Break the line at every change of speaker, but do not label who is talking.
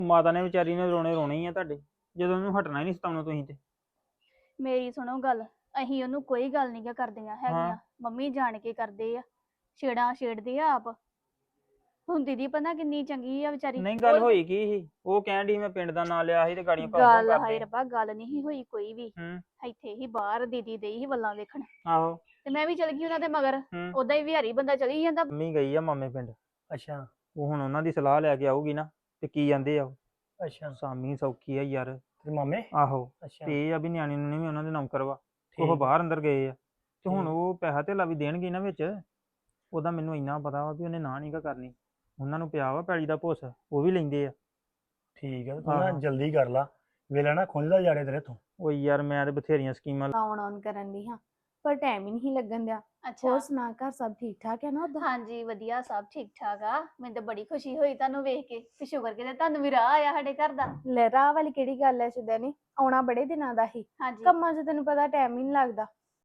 ਮਾਤਾ ਨੇ ਵਿਚਾਰੀ ਨੇ ਰੋਣੇ ਰੋਣੇ ਹੀ ਆ ਤੁਹਾਡੇ, ਜਦੋਂ ਉਹਨੂੰ ਹਟਣਾ ਹੀ ਨਹੀਂ ਸਤਾਉਣਾ ਤੁਸੀਂ ਤੇ।
ਮੇਰੀ ਸੁਣੋ ਗੱਲ, ਅਸੀਂ ਉਹਨੂੰ ਕੋਈ ਗੱਲ ਨਹੀਂ ਕਰਦੀਆਂ ਹੈਗੀਆਂ। ਮੰਮੀ ਜਾਣ ਕੇ ਕਰਦੇ ਆ, ਛੇੜਾਂ ਛੇੜਦੇ ਆ ਆਪ। ਹੁਣ ਦੀਦੀ ਪਤਾ ਕਿੰਨੀ ਚੰਗੀ ਆ ਵਿਚਾਰੀ।
ਨਹੀਂ ਗੱਲ ਹੋਈ ਕੀ ਸੀ? ਉਹ ਕਹਿਣ ਡਈ ਮੈਂ ਪਿੰਡ ਦਾ ਨਾਂ ਲਿਆ ਸੀ ਤੇ ਗਾੜੀਆਂ ਭਾਉ
ਗੱਲ
ਕਰਦੇ।
ਹਾਏ ਰੱਬਾ, ਗੱਲ ਨਹੀਂ ਹੋਈ ਕੋਈ ਵੀ।
ਹੂੰ
ਇੱਥੇ ਹੀ ਬਾਹਰ ਦੀਦੀ ਦੇ ਹੀ ਵੱਲਾਂ ਵੇਖਣ,
ਆਹੋ।
ਤੇ ਮੈਂ ਵੀ ਚਲ ਗਈ ਉਹਨਾਂ ਦੇ ਮਗਰ।
ਹੂੰ
ਉਦਾਂ ਹੀ ਵਿਹਾਰੀ ਬੰਦਾ ਚਲੀ ਜਾਂਦਾ।
ਮੰਮੀ ਗਈ ਆ ਮਾਮੇ ਪਿੰਡ,
ਅੱਛਾ
ਉਹ ਹੁਣ ਉਹਨਾਂ ਦੀ ਸਲਾਹ ਲੈ ਕੇ ਆਊਗੀ ਨਾ, ਤੇ ਕੀ ਜਾਂਦੇ ਆ ਉਹ।
ਅੱਛਾ
ਸਾਮੀ ਸੌਖੀ ਆ ਯਾਰ।
ਤੇ ਮਾਮੇ
ਆਹੋ
ਅੱਛਾ
ਤੇ ਇਹ ਆ ਵੀ ਨਿਆਣੀ ਨੂੰ ਵੀ ਉਹਨਾਂ ਦੇ ਨੌਕਰ ਵਾ, ਉਹ
ਠੀਕ
ਬਾਹਰ ਅੰਦਰ ਗਏ ਆ, ਤੇ ਹੁਣ
ਠੀਕ।
ਉਹ ਪੈਸਾ ਧੇਲਾ ਵੀ ਦੇਣਗੇ ਨਾ ਵਿੱਚ। ਉਹਦਾ ਮੈਨੂੰ ਇੰਨਾ ਪਤਾ ਵਾ ਵੀ ਉਹਨੇ ਨਾ ਨੀ ਗਾ ਕਰਨੀ। ਉਹਨਾਂ ਨੂੰ ਪਿਆ ਵਾ ਪੈਲੀ ਦਾ ਭੁੱਸ, ਉਹ ਵੀ ਲੈਂਦੇ ਆ।
ਠੀਕ ਹੈ ਤੂੰ ਨਾ
ਆਹੋ।
ਜਲਦੀ ਕਰ ਲਾ, ਵੇਲਾ ਨਾ ਖੁੰਝਦਾ ਜਾੜੇ ਤੇਰੇ ਤੋਂ।
ਉਹ ਯਾਰ ਮੈਂ ਤੇ ਬਥੇਰੀਆਂ ਸਕੀਮਾਂ
ਆਉਣ ਕਰਨ ਦੀ ਹਾਂ, ਪਰ ਟਾਈਮ ਹੀ ਨਹੀਂ ਲੱਗਣ ਦਿਆ।
ਅੱਛਾ
ਹੋਰ ਸੁਣਾ, ਘਰ ਸਭ ਠੀਕ ਠਾਕ ਹੈ ਨਾ ਉਦਾਂ?
ਹਾਂਜੀ ਵਧੀਆ, ਸਭ ਠੀਕ ਠਾਕ ਆ। ਮੈਨੂੰ ਤਾਂ ਬੜੀ ਖੁਸ਼ੀ ਹੋਈ ਤੁਹਾਨੂੰ ਵੇਖ ਕੇ, ਤੇ ਸ਼ੁਕਰ ਕਿਤੇ ਤੁਹਾਨੂੰ ਵੀ ਰਾਹ ਆਇਆ ਸਾਡੇ ਘਰ ਦਾ।
ਲੈ ਰਾਹ ਵਾਲੀ ਕਿਹੜੀ ਗੱਲ ਐ ਸ਼ੁਦੈਣੀ, ਆਉਣਾ ਬੜੇ ਦਿਨਾਂ ਦਾ ਹੀ।
ਹਾਂਜੀ
ਕੰਮਾਂ 'ਚ ਤੈਨੂੰ ਪਤਾ ਟਾਈਮ ਹੀ ਨਹੀਂ ਲੱਗਦਾ।